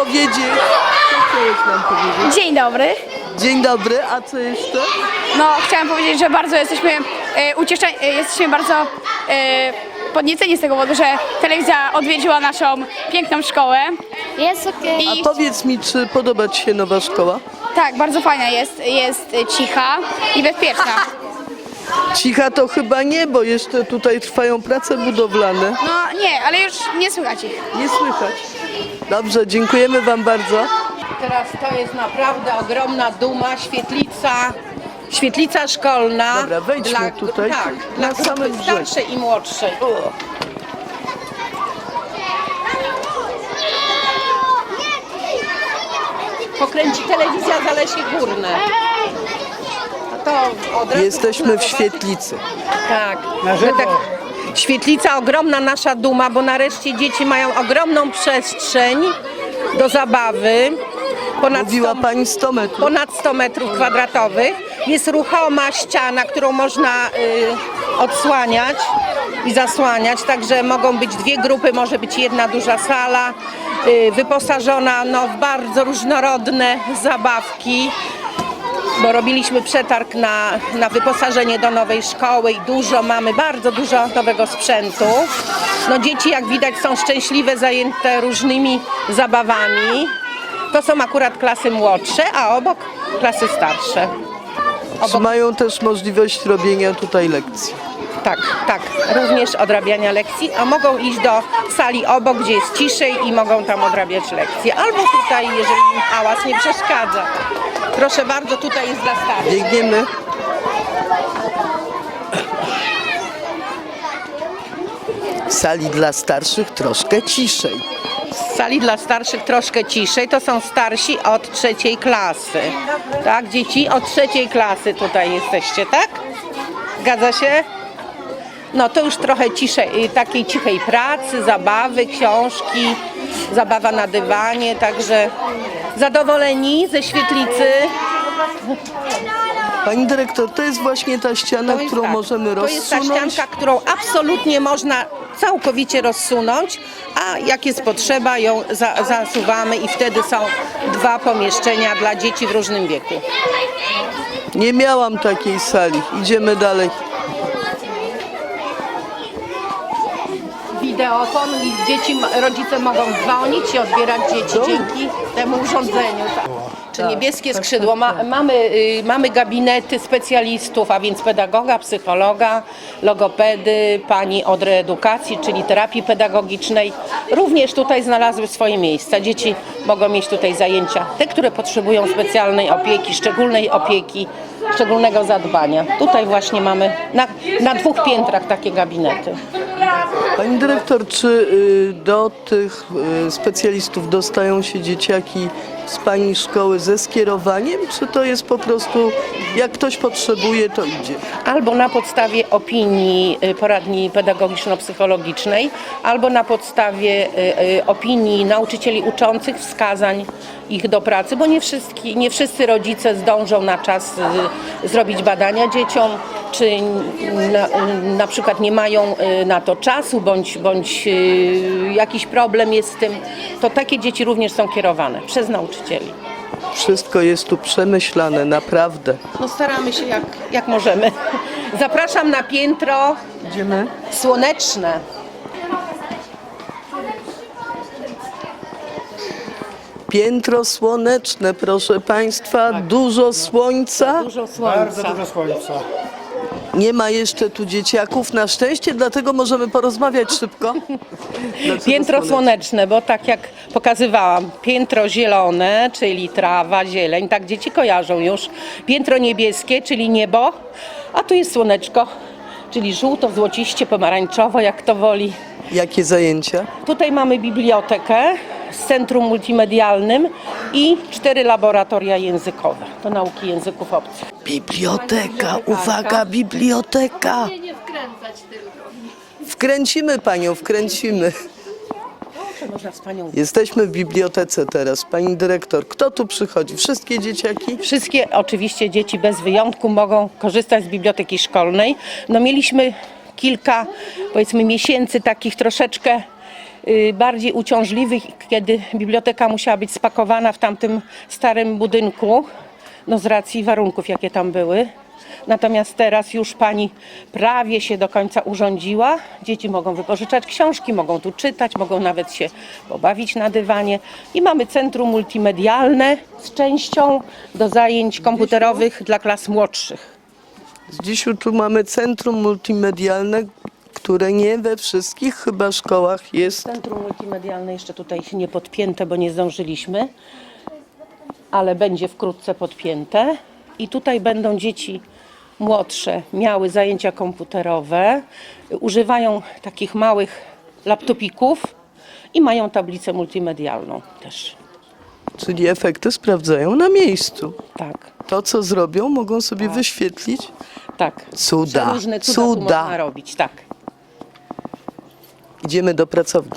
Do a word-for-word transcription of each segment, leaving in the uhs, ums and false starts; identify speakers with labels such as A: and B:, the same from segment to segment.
A: powiedzieć? Co chciałeś nam powiedzieć?
B: Dzień dobry.
A: Dzień dobry, a co jeszcze?
B: No, chciałam powiedzieć, że bardzo jesteśmy e, ucieszeni, e, jesteśmy bardzo e, podnieceni z tego powodu, że telewizja odwiedziła naszą piękną szkołę.
C: Jest okej.
B: I
A: A powiedz mi, czy podoba ci się nowa szkoła?
B: tak, bardzo fajna jest, jest e, cicha i bezpieczna.
A: Cicha to chyba nie, bo jeszcze tutaj trwają prace budowlane.
B: No nie, ale już nie słychać ich.
A: Nie słychać. Dobrze, dziękujemy wam bardzo.
D: Teraz to jest naprawdę ogromna duma, świetlica, świetlica szkolna.
A: Dobra, wejdźmy tutaj,
D: Tak,
A: na
D: dla
A: samym
D: grupy
A: brzegu.
D: starszej i młodszej. Pokręci telewizja Zalesie Górne. A to od razu
A: Jesteśmy w
D: można
A: świetlicy.
D: Tak, że tak. Świetlica, ogromna nasza duma, bo nareszcie dzieci mają ogromną przestrzeń do zabawy. Ponad
A: Mówiła
D: sto,
A: pani sto metrów.
D: ponad sto metrów kwadratowych. Jest ruchoma ściana, którą można y, odsłaniać i zasłaniać, także mogą być dwie grupy, może być jedna duża sala, y, wyposażona no, w bardzo różnorodne zabawki. Bo robiliśmy przetarg na, na wyposażenie do nowej szkoły i dużo mamy, bardzo dużo nowego sprzętu. No dzieci, jak widać, są szczęśliwe, zajęte różnymi zabawami. To są akurat klasy młodsze, a obok klasy starsze.
A: Czy mają też możliwość robienia tutaj lekcji?
D: Tak, tak, również odrabiania lekcji, a mogą iść do sali obok, gdzie jest ciszej i mogą tam odrabiać lekcje. Albo tutaj, jeżeli im hałas nie przeszkadza. Proszę bardzo, tutaj jest dla starszych.
A: Biegniemy. W sali dla starszych troszkę ciszej.
D: W sali dla starszych troszkę ciszej, to są starsi od trzeciej klasy. Tak, dzieci od trzeciej klasy tutaj jesteście, tak? Zgadza się? No to już trochę ciszej, takiej cichej pracy, zabawy, książki, zabawa na dywanie, także zadowoleni ze świetlicy.
A: Pani dyrektor, to jest właśnie ta ściana,
D: To jest
A: którą
D: tak,
A: możemy
D: To jest ta
A: rozsunąć.
D: ścianka, którą absolutnie można całkowicie rozsunąć, a jak jest potrzeba, ją za, zasuwamy i wtedy są dwa pomieszczenia dla dzieci w różnym wieku.
A: Nie miałam takiej sali. Idziemy dalej.
D: Wideofon i dzieci, rodzice mogą dzwonić i odbierać dzieci dzięki temu urządzeniu. Czy niebieskie skrzydło. Ma, mamy, y, mamy gabinety specjalistów, a więc pedagoga, psychologa, logopedy, pani od reedukacji, czyli terapii pedagogicznej. Również tutaj znalazły swoje miejsca. Dzieci mogą mieć tutaj zajęcia, te, które potrzebują specjalnej opieki, szczególnej opieki, szczególnego zadbania. Tutaj właśnie mamy na, na dwóch piętrach takie gabinety.
A: Pani dyrektor, czy y, do tych y, specjalistów dostają się dzieciaki z pani szkoły ze skierowaniem, czy to jest po prostu, jak ktoś potrzebuje, to idzie?
D: Albo na podstawie opinii y, poradni pedagogiczno-psychologicznej, albo na podstawie y, y, opinii nauczycieli uczących, wskazań ich do pracy, bo nie, wszystki, nie wszyscy rodzice zdążą na czas y, zrobić badania dzieciom, czy na, na przykład nie mają y, na to czasu, bądź, bądź y, jakiś problem jest z tym, to takie dzieci również są kierowane przez nauczycieli.
A: Wszystko jest tu przemyślane, naprawdę.
D: No staramy się jak, jak możemy. Zapraszam na piętro
A: Idziemy.
D: słoneczne.
A: Piętro słoneczne, proszę państwa, dużo słońca.
D: Dużo
E: Bardzo
D: słońca.
E: dużo słońca.
A: Nie ma jeszcze tu dzieciaków, na szczęście, dlatego możemy porozmawiać szybko. Dlaczego
D: Piętro słoneczne, bo tak jak pokazywałam, piętro zielone, czyli trawa, zieleń, tak dzieci kojarzą już. Piętro niebieskie, czyli niebo, a tu jest słoneczko, czyli żółto, złociście, pomarańczowo, jak to woli.
A: Jakie zajęcia?
D: Tutaj mamy bibliotekę z centrum multimedialnym i cztery laboratoria językowe do nauki języków obcych.
A: Biblioteka, uwaga, biblioteka.
C: Nie, nie wkręcać tylko.
A: Wkręcimy panią, wkręcimy.
D: Można z panią.
A: Jesteśmy w bibliotece teraz. Pani dyrektor, kto tu przychodzi? Wszystkie dzieciaki?
D: Wszystkie oczywiście dzieci bez wyjątku mogą korzystać z biblioteki szkolnej. No mieliśmy kilka, powiedzmy, miesięcy takich troszeczkę y, bardziej uciążliwych, kiedy biblioteka musiała być spakowana w tamtym starym budynku, no z racji warunków, jakie tam były. Natomiast teraz już pani prawie się do końca urządziła. Dzieci mogą wypożyczać książki, mogą tu czytać, mogą nawet się pobawić na dywanie. I mamy centrum multimedialne z częścią do zajęć komputerowych dla klas młodszych.
A: Dzisiu tu mamy centrum multimedialne, które nie we wszystkich chyba szkołach jest.
D: Centrum multimedialne jeszcze tutaj nie podpięte, bo nie zdążyliśmy, ale będzie wkrótce podpięte. I tutaj będą dzieci młodsze miały zajęcia komputerowe, używają takich małych laptopików i mają tablicę multimedialną też.
A: Czyli efekty sprawdzają na miejscu.
D: Tak,
A: To, co zrobią, mogą sobie wyświetlić.
D: tak.
A: Cuda,
D: Różne cuda, tu
A: cuda.
D: można robić, tak.
A: Idziemy do pracowni.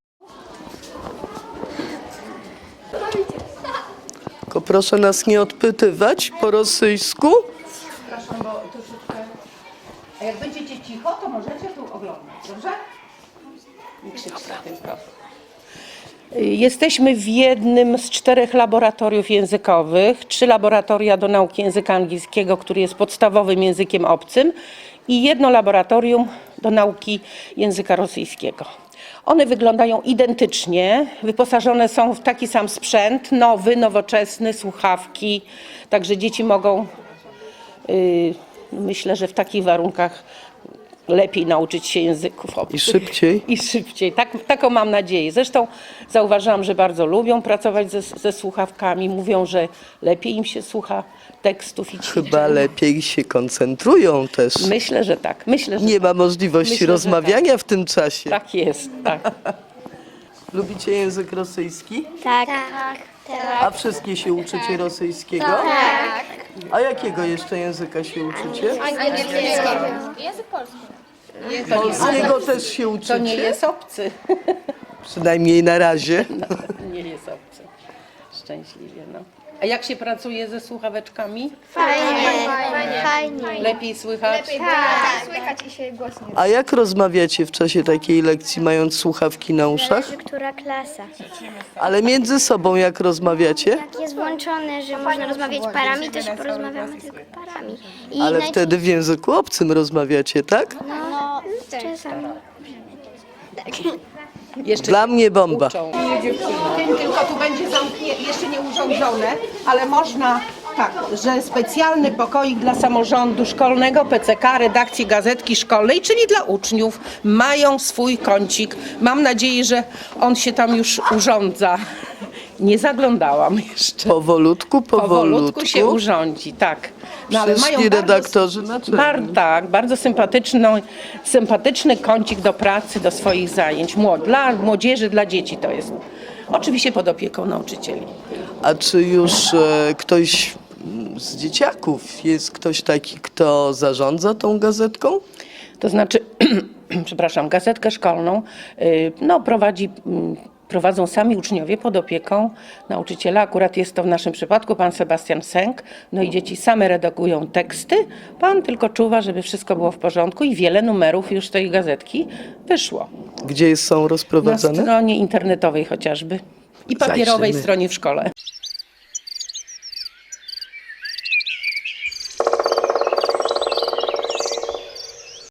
A: Tylko proszę nas nie odpytywać po rosyjsku.
D: Przepraszam, bo troszeczkę... A jak będziecie cicho, to możecie tu oglądać, dobrze? Nie krzyczcie na tym proszę. Jesteśmy w jednym z czterech laboratoriów językowych. Trzy laboratoria do nauki języka angielskiego, który jest podstawowym językiem obcym, i jedno laboratorium do nauki języka rosyjskiego. One wyglądają identycznie, wyposażone są w taki sam sprzęt, nowy, nowoczesny, słuchawki, także dzieci mogą, yy, myślę, że w takich warunkach lepiej nauczyć się języków obcych.
A: I szybciej.
D: I szybciej, tak, taką mam nadzieję. Zresztą zauważyłam, że bardzo lubią pracować ze, ze słuchawkami, mówią, że lepiej im się słucha tekstów i ćwiczeń.
A: Chyba lepiej się koncentrują też.
D: Myślę, że tak. Myślę, że
A: Nie ma możliwości
D: Myślę, że
A: rozmawiania w tym czasie.
D: tak jest. Tak.
A: Lubicie język rosyjski?
C: Tak. Tak.
A: A wszystkie się uczycie rosyjskiego? Tak. A jakiego jeszcze języka się uczycie?
C: Język polski.
A: Polskiego też się
D: To
A: uczycie?
D: nie jest obcy.
A: Przynajmniej na razie.
D: Nie jest obcy. Szczęśliwie, no. A jak się pracuje ze słuchaweczkami?
C: Fajnie. Fajnie.
D: Lepiej słychać?
C: Tak. Słychać i się głośniej.
A: A jak rozmawiacie w czasie takiej lekcji, mając słuchawki na uszach?
E: Zależy, która klasa.
A: Ale między sobą jak rozmawiacie?
E: Jak jest włączone, że można rozmawiać parami, to się porozmawiamy tylko parami. I
A: Ale
E: naj-
A: wtedy w języku obcym rozmawiacie, tak?
E: No, czasami.
D: Jeszcze
A: Dla mnie bomba.
D: uczą. Tym tylko tu będzie zamknie, jeszcze nie urządzone, ale można tak, że specjalny pokoik dla samorządu szkolnego, P C K, redakcji gazetki szkolnej, czyli dla uczniów, mają swój kącik. Mam nadzieję, że on się tam już urządza. Nie zaglądałam jeszcze.
A: Powolutku, powolutku.
D: Powolutku się urządzi, tak. No,
A: Przyszli redaktorzy naczelni.
D: bar, tak, bardzo sympatyczną, sympatyczny kącik do pracy, do swoich zajęć. Młod, dla młodzieży, dla dzieci to jest. Oczywiście pod opieką nauczycieli.
A: A czy już e, ktoś mm, z dzieciaków, jest ktoś taki, kto zarządza tą gazetką?
D: To znaczy, przepraszam, gazetkę szkolną y, no, prowadzi, mm, prowadzą sami uczniowie pod opieką nauczyciela. Akurat jest to w naszym przypadku pan Sebastian Sęk. No i dzieci same redagują teksty. Pan tylko czuwa, żeby wszystko było w porządku i wiele numerów już tej gazetki wyszło.
A: Gdzie są
D: Na
A: rozprowadzane?
D: stronie internetowej chociażby i papierowej
A: Zajrzymy.
D: stronie w szkole.